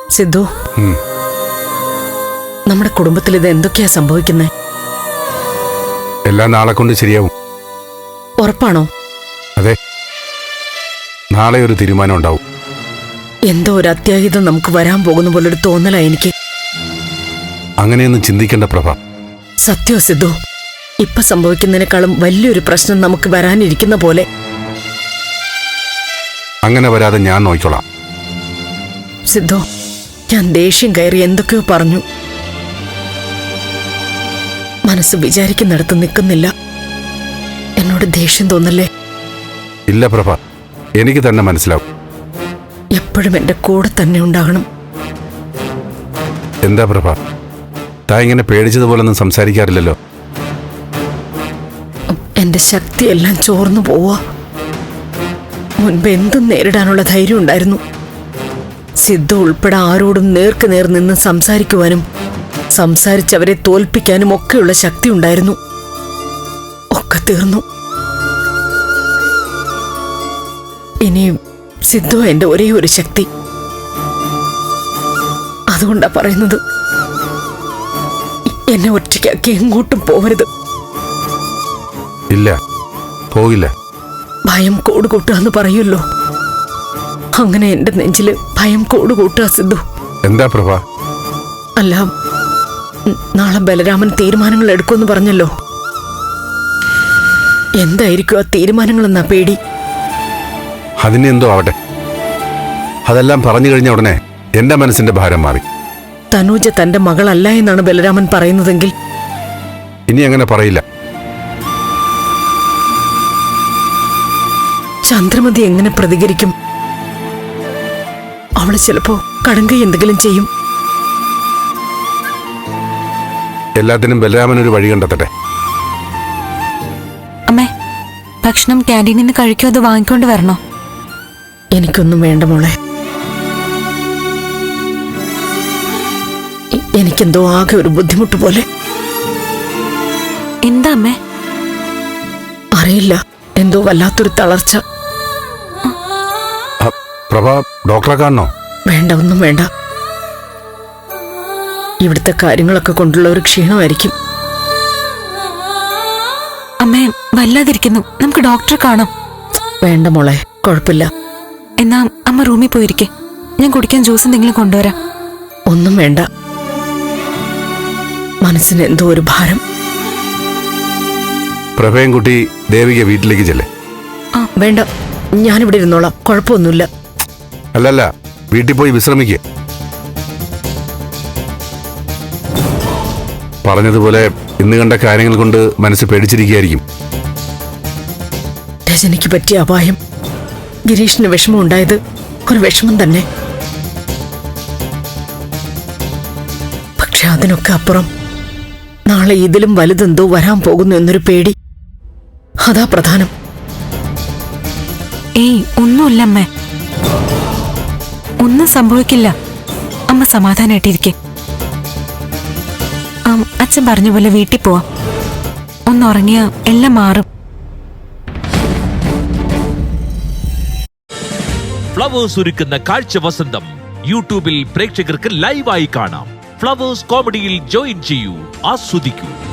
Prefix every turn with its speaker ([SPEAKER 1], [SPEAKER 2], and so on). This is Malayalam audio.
[SPEAKER 1] സിദ്ധു, നമ്മുടെ കുടുംബത്തിൽ ഇത് എന്തൊക്കെയാ സംഭവിക്കുന്നത്?
[SPEAKER 2] എല്ലാം നാളെ കൊണ്ട് ശരിയാവും.
[SPEAKER 1] ഉറപ്പാണോ?
[SPEAKER 2] അതെ, നാളെ ഒരു തീരുമാനം ഉണ്ടാവും.
[SPEAKER 1] എന്തോ ഒരു അത്യാഹിതം നമുക്ക് വരാൻ പോകുന്ന പോലൊരു തോന്നലാ എനിക്ക്.
[SPEAKER 2] അങ്ങനെയൊന്നും ചിന്തിക്കേണ്ട പ്രഭ.
[SPEAKER 1] സത്യോ സിദ്ധു, ഇപ്പൊ സംഭവിക്കുന്നതിനേക്കാളും വലിയൊരു പ്രശ്നം നമുക്ക് വരാനിരിക്കുന്ന പോലെ.
[SPEAKER 2] അങ്ങനെ വരാതെ ഞാൻ നോക്കിക്കോളാം.
[SPEAKER 1] സിദ്ധു, ഞാൻ ദേഷ്യം കയറി എന്തൊക്കെയോ പറഞ്ഞു. മനസ്സ് വിചാരിക്കുന്നിടത്ത് നിൽക്കുന്നില്ല. എന്നോട് ദേഷ്യം തോന്നല്ലേ?
[SPEAKER 2] ഇല്ല പ്രഭ, എനിക്ക് തന്നെ മനസ്സിലാവും.
[SPEAKER 1] എപ്പോഴും എന്റെ കൂടെ തന്നെ ഉണ്ടാകണം.
[SPEAKER 2] എന്താ പ്രഭ, താ ഇങ്ങനെ പേടിച്ചതുപോലൊന്നും സംസാരിക്കാറില്ലല്ലോ.
[SPEAKER 1] എന്റെ ശക്തിയെല്ലാം ചോർന്നു പോവാ. മുൻപ് എന്തും നേരിടാനുള്ള ധൈര്യം ഉണ്ടായിരുന്നു. സിദ്ധു ഉൾപ്പെടെ ആരോടും നേർക്ക് നേർ നിന്ന് സംസാരിക്കുവാനും സംസാരിച്ചവരെ തോൽപ്പിക്കാനും ഒക്കെയുള്ള ശക്തി ഉണ്ടായിരുന്നു. ഒക്കെ തീർന്നു. ഇനി സിദ്ധു എന്റെ ഒരേ ഒരു ശക്തി. അതുകൊണ്ടാ പറയുന്നത്, എന്നെ ഒറ്റയ്ക്കാക്കി എങ്ങോട്ടും പോവരുത്.
[SPEAKER 2] ഇല്ല, പോകില്ല.
[SPEAKER 1] ഭയം കൂടുകൂട്ടുകയെന്ന് പറയുമല്ലോ, അങ്ങനെ എന്റെ നെഞ്ചില് ഭയം കൂടുകൂട്ടുക സിദ്ധു.
[SPEAKER 2] എന്താ പ്രഭ?
[SPEAKER 1] അല്ല, നാളെ ബലരാമൻ തീരുമാനങ്ങൾ എടുക്കുമെന്ന് പറഞ്ഞല്ലോ. എന്തായിരിക്കും ആ തീരുമാനങ്ങളെന്നാ പേടി.
[SPEAKER 2] അതിനെന്തോ ആവട്ടെ, അതെല്ലാം പറഞ്ഞു കഴിഞ്ഞ ഉടനെ എന്റെ മനസ്സിന്റെ ഭാരം മാറി.
[SPEAKER 1] തനൂജ തന്റെ മകളല്ല എന്നാണ് ബലരാമൻ പറയുന്നതെങ്കിൽ
[SPEAKER 2] ഇനി അങ്ങനെ പറയില്ല.
[SPEAKER 1] ചന്ദ്രമതി എങ്ങനെ പ്രതികരിക്കും? അവള് ചിലപ്പോ കടങ്കൈ എന്തെങ്കിലും ചെയ്യും.
[SPEAKER 2] എല്ലാത്തിനും ബലരാമൻ ഒരു വഴി കണ്ടെത്തട്ടെ.
[SPEAKER 3] അമ്മേ, ഭക്ഷണം ക്യാൻറ്റീനിൽ നിന്ന് കഴിക്കോ അത് വാങ്ങിക്കൊണ്ട് വരണോ?
[SPEAKER 1] എനിക്കൊന്നും വേണ്ട മോളെ. എനിക്കെന്തോ ആകെ ഒരു ബുദ്ധിമുട്ട് പോലെ.
[SPEAKER 3] എന്താ അമ്മേ?
[SPEAKER 1] അറിയില്ല, എന്തോ വല്ലാത്തൊരു തളർച്ച.
[SPEAKER 2] പ്രഭ, ഡോക്ടറെ കാണണോ?
[SPEAKER 1] വേണ്ട, ഒന്നും വേണ്ട. ഇവിടുത്തെ കാര്യങ്ങളൊക്കെ കൊണ്ടുള്ള ഒരു ക്ഷീണമായിരിക്കും.
[SPEAKER 3] അമ്മേ, വല്ലാതിരിക്കുന്നു, നമുക്ക് ഡോക്ടറെ കാണാം.
[SPEAKER 1] വേണ്ട മോളെ, കുഴപ്പമില്ല.
[SPEAKER 3] എന്നാ അമ്മ റൂമിൽ പോയിരിക്കെ, ഞാൻ കുടിക്കാൻ ജ്യൂസ് എന്തെങ്കിലും കൊണ്ടുവരാം.
[SPEAKER 1] ഒന്നും വേണ്ട. മനസ്സിന് എന്തോ ഒരു ഭാരം.
[SPEAKER 2] പ്രഭയും കുട്ടി ദേവിക വീട്ടിലേക്ക് ചെല്ലേ.
[SPEAKER 1] വേണ്ട, ഞാനിവിടെ ഇരുന്നോളാം, കുഴപ്പമൊന്നുമില്ല.
[SPEAKER 2] അല്ലല്ല, വീട്ടിൽ പോയി വിശ്രമിക്കുക. പറഞ്ഞതുപോലെ ഇന്ന് കണ്ട കാര്യങ്ങൾ കൊണ്ട് മനസ്സ് പേടിച്ചിരിക്കുകയായിരിക്കും.
[SPEAKER 1] രജനിക്ക് പറ്റിയ അപായം, ഗിരീഷിന് വിഷമം ഉണ്ടായത് ഒരു വിഷമം തന്നെ. പക്ഷെ അതിനൊക്കെ അപ്പുറം നാളെ ഇതിലും വലുതെന്തോ വരാൻ പോകുന്നു എന്നൊരു പേടി, അതാ പ്രധാനം.
[SPEAKER 3] ഏയ്, ഒന്നുമില്ല അമ്മേ, ഒന്നും സംഭവിക്കില്ല. അമ്മ സമാധാനായിട്ടിരിക്കെ. അച്ഛൻ പറഞ്ഞ പോലെ വീട്ടിൽ പോവാം. ഒന്നുറങ്ങിയ എല്ലാം മാറും.
[SPEAKER 4] ഫ്ലവേഴ്സ് ഒരുക്കുന്ന കാഴ്ച വസന്തം യൂട്യൂബിൽ പ്രേക്ഷകർക്ക് ലൈവായി കാണാം. ഫ്ലവേഴ്സ് കോമഡിയിൽ ജോയിൻ ചെയ്യൂ, ആസ്വദിക്കൂ.